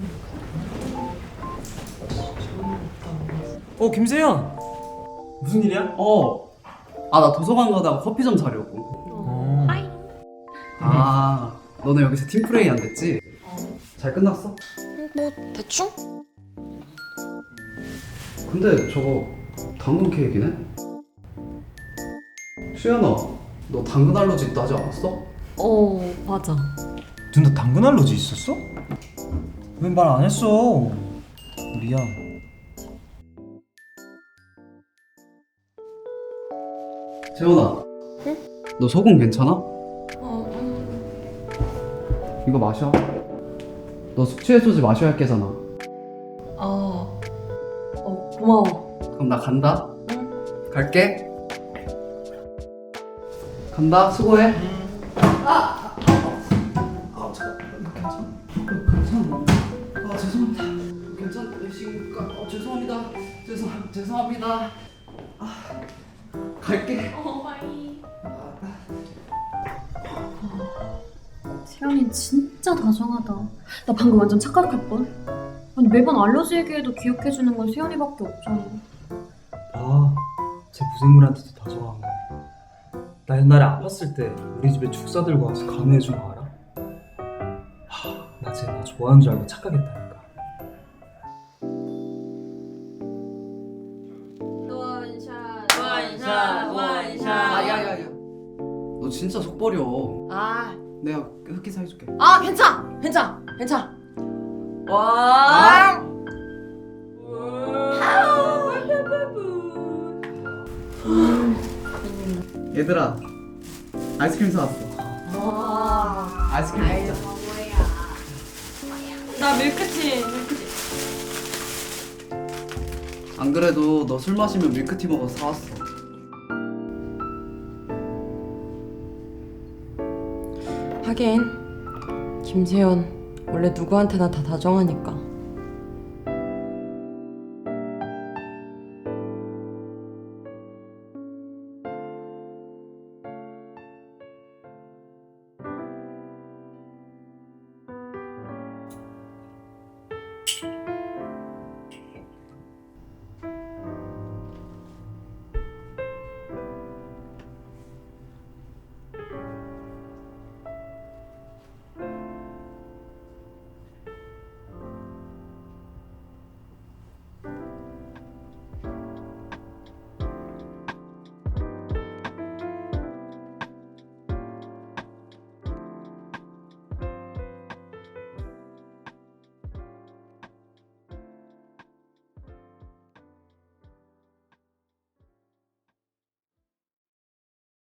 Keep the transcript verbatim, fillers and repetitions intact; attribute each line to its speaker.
Speaker 1: 어, 김세현! 무슨 일이야?
Speaker 2: 어. 아, 나 도서관 가다가 커피 좀 사려고.
Speaker 1: 어.
Speaker 3: 하이.
Speaker 2: 아, 너네 여기서 팀플레이 안 됐지? 잘 끝났어?
Speaker 3: 뭐 대충?
Speaker 2: 근데 저거 당근 케이크네? 수연아, 너 당근 알러지 있다 하지 않았어?
Speaker 3: 어 맞아.
Speaker 1: 누나 당근 알러지 있었어? 왜 말 안 했어? 미안.
Speaker 2: 재원아.
Speaker 3: 응?
Speaker 2: 너 소금 괜찮아?
Speaker 3: 어, 음.
Speaker 2: 이거 마셔. 너 숙취해소제 마셔야 할 게잖아.
Speaker 3: 어. 어 고마워.
Speaker 2: 그럼 나 간다.
Speaker 3: 응.
Speaker 2: 갈게. 간다. 수고해. 아, 아, 잠깐. 괜찮아? 괜찮아. 아, 죄송합니다. 괜찮으신가? 어, 죄송합니다. 죄송 죄송합니다. 아, 갈게.
Speaker 3: 어 바이.
Speaker 4: 세연이 진짜 다정하다. 나 방금 완전 착각할 뻔. 아니 매번 알러지 얘기해도 기억해주는 건 세연이밖에 없잖아.
Speaker 1: 아, 쟤 무생물한테도 다정한 거. 나 옛날에 아팠을 때 우리 집에 죽 싸들고 와서 간호해준 거 알아? 하, 나 쟤 나 좋아하는 줄 알고 착각했다니까.
Speaker 3: 원샷 원샷
Speaker 2: 아,
Speaker 3: 원샷.
Speaker 2: 야야야. 너 진짜 속 버려.
Speaker 3: 아,
Speaker 2: 내가 흑기사 해줄게.
Speaker 3: 아 괜찮, 괜찮, 괜찮. 와.
Speaker 2: 얘들아, 아이스크림 사왔어.
Speaker 3: 와.
Speaker 2: 아이스크림 먹자.
Speaker 3: 나 밀크티, 밀크티.
Speaker 2: 안 그래도 너 술 마시면 밀크티 먹어서 사왔어.
Speaker 3: 하긴 김세연 원래 누구한테나 다 다정하니까.